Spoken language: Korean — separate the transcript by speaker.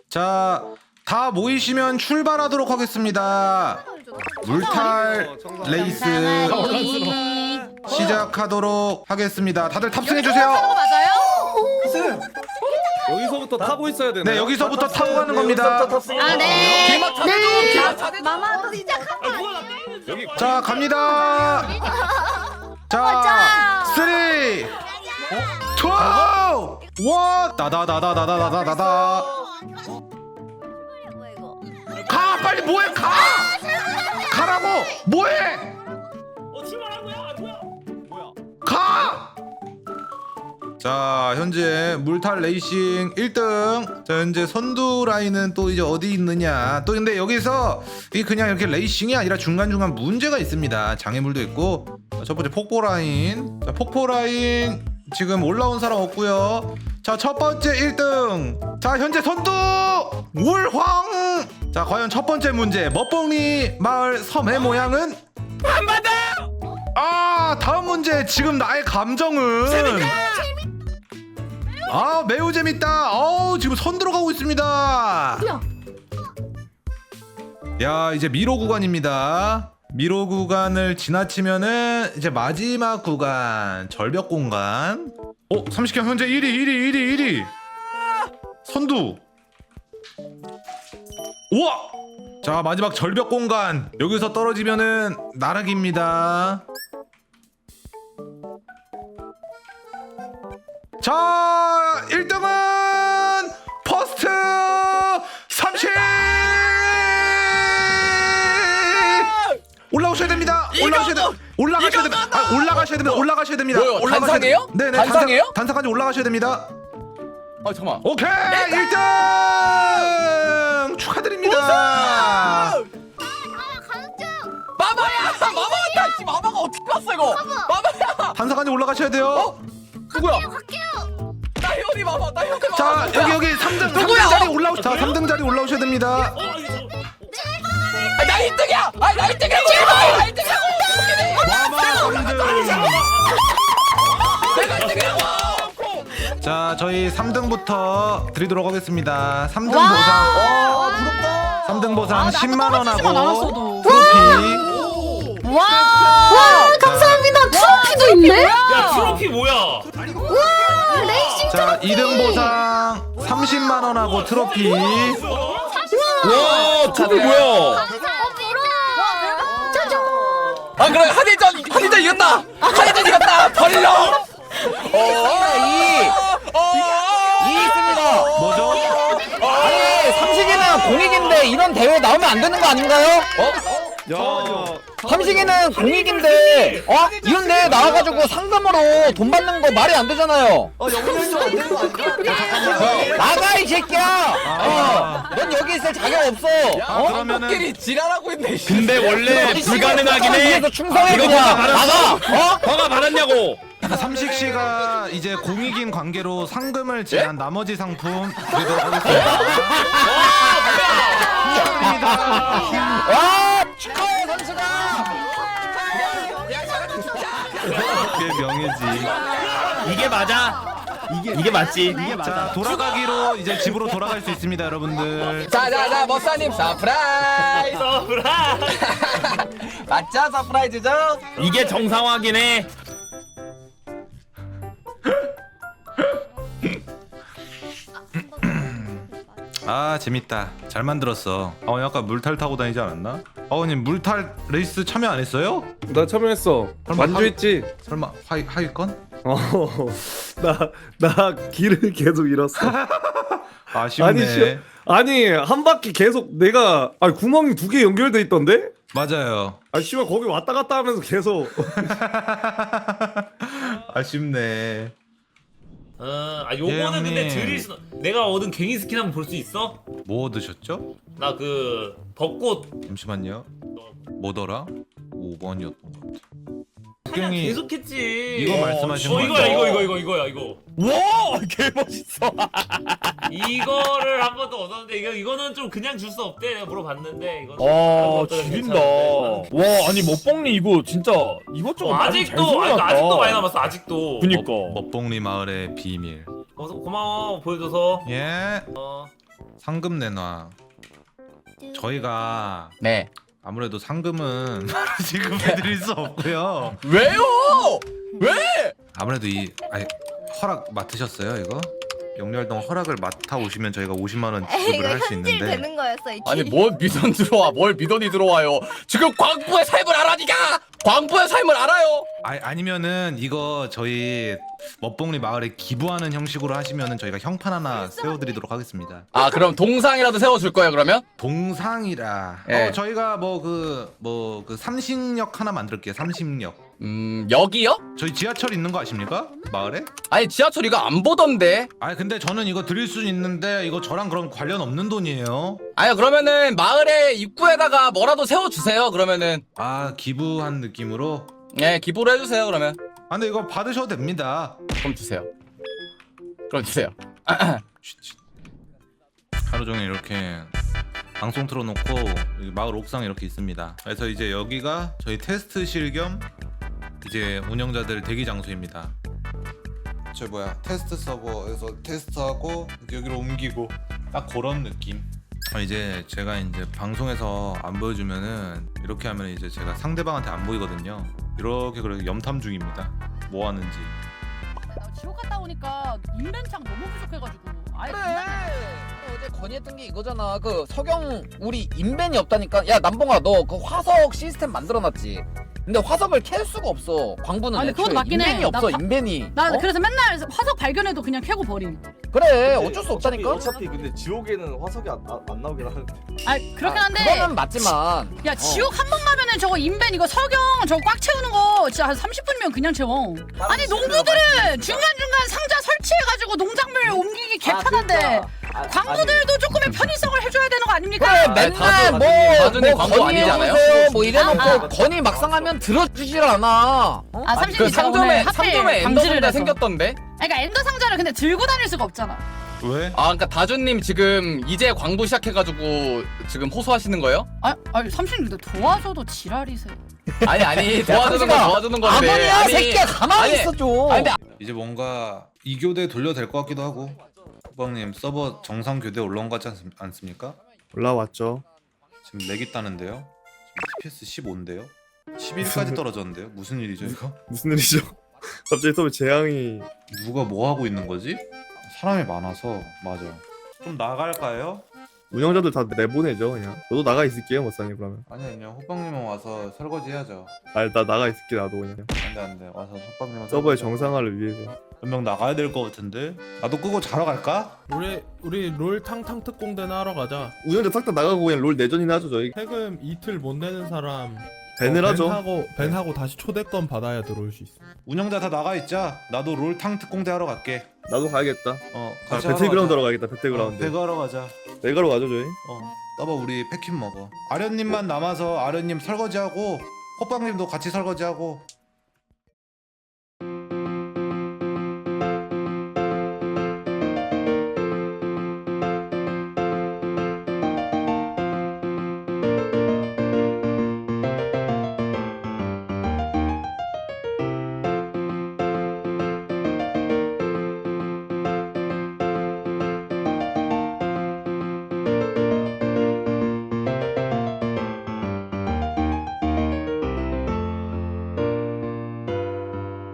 Speaker 1: 자, 다 모이시면 출발하도록 하겠습니다. 물탈 레이스 시작하도록 하겠습니다. 다들 탑승해주세요.
Speaker 2: 맞아요?
Speaker 3: 여기서부터 타고 있어야 되나?
Speaker 1: 네, 여기서부터 타고 가는 겁니다.
Speaker 2: 아, 네.
Speaker 4: 네.
Speaker 2: 마마도 시작한다.
Speaker 1: 자, 갑니다. 자, 3, 2, 1, 다다다다다다다다. 가, 빨리 뭐해, 가! 가라고! 뭐해! 가! 자, 현재 물탈 레이싱 1등. 자, 현재 선두 라인은 또 이제 어디 있느냐. 또 근데 여기서 이 그냥 이렇게 레이싱이 아니라 중간중간 문제가 있습니다. 장애물도 있고. 자, 첫 번째 폭포 라인. 자, 폭포 라인 지금 올라온 사람 없고요. 자, 첫 번째 1등. 자, 현재 선두 울황. 자, 과연 첫 번째 문제 멋봉리 마을 섬의 모양은? 안 받아. 아, 다음 문제. 지금 나의 감정은 아, 매우 재밌다. 지금 선 들어가고 있습니다. 야, 이제 미로 구간입니다. 미로 구간을 지나치면은 이제 마지막 구간 절벽 공간. 30경 현재 1위. 선두. 우와! 자, 마지막 절벽 공간. 여기서 떨어지면은 나락입니다. 자, 1등은 퍼스트 30! 올라오셔야 됩니다. 올라가셔야 됩니다.
Speaker 4: 뭐요? 단상이에요?
Speaker 1: 네네.
Speaker 4: 단상이에요?
Speaker 1: 단상까지 올라가셔야 됩니다.
Speaker 4: 잠깐만.
Speaker 1: 오케이! 1등! 축하드립니다.
Speaker 4: 마마야! 마마 왔다! 씨, 마마가 어떻게 왔어 이거? 마마야!
Speaker 1: 단상까지 올라가셔야 돼요.
Speaker 4: 누구야? 나 혜원이 마마! 나 혜원이 마마!
Speaker 1: 자, 여기 3등
Speaker 4: 누구야?
Speaker 1: 자리 자, 3등 자리 올라오셔야 됩니다.
Speaker 4: 나 1등이야! 나 1등이라고! 나 1등이라고!
Speaker 1: 마마 3등.
Speaker 4: 내가 1등이라고!
Speaker 1: 자, 저희 3등부터 드리도록 하겠습니다. 3등 보상.
Speaker 2: 부럽다.
Speaker 1: 3등 보상 10만 원하고
Speaker 2: 않았어도.
Speaker 1: 트로피.
Speaker 2: 와, 감사합니다. 트로피도 있네.
Speaker 5: 야 트로피 뭐야?
Speaker 2: 레이싱
Speaker 1: 자, 2등 보상 30만 원하고 트로피.
Speaker 4: 와! 저거 뭐야? 그래 한일전 이겼다! 한일전 이겼다! 벌러! 이 있습니다.
Speaker 1: 뭐죠?
Speaker 4: 아니 삼식이는 공익인데 이런 대회 나오면 안 되는 거 아닌가요?
Speaker 3: 야,
Speaker 4: 삼식이는 공익인데 이런 대회 나와가지고 상금으로 돈 받는 거 말이 안 되잖아요. 나가 이 새끼야. 넌 여기 있을 자격 없어.
Speaker 1: 그러면은
Speaker 4: 지랄하고 있네.
Speaker 3: 근데 원래 불가능하긴 해.
Speaker 4: 위해서 충성해
Speaker 3: 이거
Speaker 4: 그냥.
Speaker 3: 누가 말았어?
Speaker 4: 나가.
Speaker 3: 허가 받았냐고.
Speaker 1: 삼식 씨가 이제 공익인 관계로 상금을 제한 나머지 상품 드리도록 하겠습니다. 축하드립니다.
Speaker 4: 와 축하해 선수가.
Speaker 1: 그게 명예지.
Speaker 3: 이게 맞아. 이게 맞지.
Speaker 1: 자, 돌아가기로 이제 집으로 돌아갈 수 있습니다, 여러분들.
Speaker 4: 자자자 머싸님 서프라이즈. 맞죠 서프라이즈죠?
Speaker 3: 이게 정상화긴 해.
Speaker 1: 아, 재밌다. 잘 만들었어. 아까 물탈 타고 다니지 않았나? 아버님 물탈 레이스 참여 안 했어요?
Speaker 3: 나 참여했어.
Speaker 1: 설마
Speaker 3: 완주했지.
Speaker 1: 설마 하위권?
Speaker 3: 나 길을 계속 잃었어.
Speaker 1: 아쉽네.
Speaker 3: 아니 한 바퀴 계속 내가 구멍이 2개 연결돼 있던데?
Speaker 1: 맞아요.
Speaker 3: 씨발 거기 왔다 갔다 하면서 계속.
Speaker 1: 아쉽네.
Speaker 5: 요거는 근데
Speaker 1: 형님.
Speaker 5: 드릴 수 내가 얻은 괭이 스킨 한번 볼 수 있어?
Speaker 1: 뭐 얻으셨죠?
Speaker 5: 나 그 벚꽃
Speaker 1: 잠시만요. 뭐더라? 5번이었던 것 같아.
Speaker 5: 그냥
Speaker 1: 괭이
Speaker 5: 계속했지.
Speaker 1: 이거 말씀하시는 거죠?
Speaker 5: 이거야 이거.
Speaker 4: 와 개멋있어.
Speaker 5: 이거를 한 번 더 얻었는데 이거는 좀 그냥 줄 수 없대. 내가 물어봤는데 이거.
Speaker 4: 지린다. 와 아니 먹봉리 이거 진짜 이것저것 많이 잘
Speaker 5: 아직도
Speaker 4: 숨겨놨다.
Speaker 5: 아직도 많이 남았어. 아직도.
Speaker 4: 그니까.
Speaker 1: 먹봉리 마을의 비밀.
Speaker 5: 고마워 보여줘서.
Speaker 1: 예. 상금 내놔. 저희가
Speaker 4: 네.
Speaker 1: 아무래도 상금은 바로 지급해드릴 수 없고요.
Speaker 4: 왜요? 왜?
Speaker 1: 아무래도 아니, 허락 맡으셨어요 이거? 영리활동 허락을 맡아 오시면 저희가 50만 원
Speaker 2: 에이,
Speaker 1: 지급을
Speaker 2: 이거
Speaker 1: 할 수
Speaker 2: 현질
Speaker 1: 있는데.
Speaker 2: 되는 거였어. 이
Speaker 4: 아니
Speaker 2: 길.
Speaker 4: 뭘 미돈 들어와? 뭘 미돈이 들어와요? 지금 광부의 삶을 알아 니가? 광부의 삶을 알아요?
Speaker 1: 아니면은 이거 저희 멋봉리 마을에 기부하는 형식으로 하시면은 저희가 형판 하나 세워드리도록 하겠습니다.
Speaker 4: 아 그럼 동상이라도 세워줄 거예요 그러면?
Speaker 1: 동상이라.
Speaker 4: 예.
Speaker 1: 저희가 뭐 그 삼식역 하나 만들게요. 삼식역.
Speaker 4: 여기요?
Speaker 1: 저희 지하철 있는 거 아십니까? 마을에?
Speaker 4: 아니 지하철 이거 안 보던데.
Speaker 1: 아니 근데 저는 이거 드릴 수 있는데 이거 저랑 그럼 관련 없는 돈이에요.
Speaker 4: 아니 그러면은 마을의 입구에다가 뭐라도 세워주세요 그러면은.
Speaker 1: 아 기부한 느낌으로?
Speaker 4: 네 기부를 해주세요 그러면.
Speaker 1: 아 근데 이거 받으셔도 됩니다.
Speaker 4: 그럼 주세요. 그럼 주세요.
Speaker 1: 하루 종일 이렇게 방송 틀어놓고 여기 마을 옥상 이렇게 있습니다. 그래서 이제 여기가 저희 테스트실 겸 이제 운영자들 대기 장소입니다. 저 뭐야 테스트 서버에서 테스트하고 이제 여기로 옮기고 딱 그런 느낌. 이제 제가 이제 방송에서 안 보여주면은 이렇게 하면 이제 제가 상대방한테 안 보이거든요. 이렇게 그래서 염탐 중입니다. 뭐 하는지.
Speaker 6: 나 지옥 갔다 오니까 인벤창 너무 부족해가지고 아예
Speaker 4: 그래.
Speaker 6: 그냥
Speaker 4: 어제 건의했던 게 이거잖아. 그 석영 우리 인벤이 없다니까. 야 남봉아 너 그 화석 시스템 만들어놨지. 근데 화석을 캘 수가 없어. 광부는
Speaker 6: 아니, 그건 맞긴 해.
Speaker 4: 인벤이 없어.
Speaker 6: 나
Speaker 4: 인벤이.
Speaker 6: 나
Speaker 4: 어?
Speaker 6: 그래서 맨날 화석 발견해도 그냥 캐고 버림.
Speaker 4: 그래 어쩔 수 없다니까.
Speaker 3: 어차피 근데 지옥에는 화석이 안 나오긴 하는데.
Speaker 6: 아 그렇긴 한데.
Speaker 4: 그거는 맞지만.
Speaker 6: 야 지옥 한 번 가면은 저거 인벤 이거 석영 저거 꽉 채우는 거 진짜 한 30분이면 그냥 채워. 아니 농부들은 중간중간 상자 설치해가지고 농작물 옮기기 개편한데 광부들도 조금의 편의성을 해줘야 되는 거 아닙니까?
Speaker 4: 그래
Speaker 3: 아니,
Speaker 4: 맨날
Speaker 3: 다준이
Speaker 4: 뭐
Speaker 3: 광고
Speaker 4: 건의
Speaker 3: 아니잖아요?
Speaker 4: 해주세요 뭐 이래놓고
Speaker 6: 아.
Speaker 4: 건의 막상 하면 들어주질 않아. 어?
Speaker 6: 아
Speaker 4: 그
Speaker 6: 30분
Speaker 4: 상점에
Speaker 6: 방지를
Speaker 4: 엔더상자
Speaker 6: 해서.
Speaker 4: 생겼던데.
Speaker 6: 그러니까 엔더 상자를 근데 들고 다닐 수가 없잖아.
Speaker 1: 왜?
Speaker 4: 아 그러니까 다준님 지금 이제 광부 시작해가지고 지금 호소하시는 거예요?
Speaker 6: 아니 30분 도와줘도 지랄이세요.
Speaker 4: 아니 도와주는 건데.
Speaker 2: 아버니야 새끼야 가만히
Speaker 4: 아니,
Speaker 2: 있어 좀.
Speaker 4: 아니 근데
Speaker 1: 이제 뭔가 2교대 돌려도 될 것 같기도 하고. 호박님 서버 정상 교대 올라온 것 같지 않습니까?
Speaker 3: 올라왔죠.
Speaker 1: 지금 렉 있다는데요? 지금 TPS 15인데요? 11까지 떨어졌는데요? 무슨 일이죠 이거?
Speaker 3: 무슨 일이죠? 갑자기 서버 재앙이.
Speaker 1: 누가 뭐 하고 있는 거지? 사람이 많아서 맞아. 좀 나갈까요?
Speaker 3: 운영자들 다 내보내죠 그냥. 저도 나가 있을게요 머싸님 그러면.
Speaker 1: 아니요 호빵님은 와서 설거지 해야죠.
Speaker 3: 아니 나 나가 있을게 나도 그냥.
Speaker 1: 안돼 와서 호빵님은
Speaker 3: 서버의 정상화를 위해서.
Speaker 1: 몇 명 나가야 될 것 같은데? 나도 끄고 자러 갈까?
Speaker 7: 우리 롤 탕탕 특공대나 하러 가자.
Speaker 3: 운영자 싹 다 나가고 그냥 롤 내전이나 하죠 저희.
Speaker 7: 세금 이틀 못 내는 사람
Speaker 3: 밴을 하죠.
Speaker 7: 밴하고 다시 초대권 받아야 들어올 수 있어.
Speaker 1: 운영자 다 나가 있자. 나도 롤탕 특공대 하러 갈게.
Speaker 3: 나도 가야겠다.
Speaker 1: 같이
Speaker 3: 배틀그라운드 하러
Speaker 1: 하러
Speaker 3: 가야겠다. 배틀그라운드.
Speaker 1: 배그 하러 가자.
Speaker 3: 배가로 가죠 저희.
Speaker 1: 떠봐 우리 패킨 먹어. 아련님만 남아서 아련님 설거지하고 호빵님도 같이 설거지하고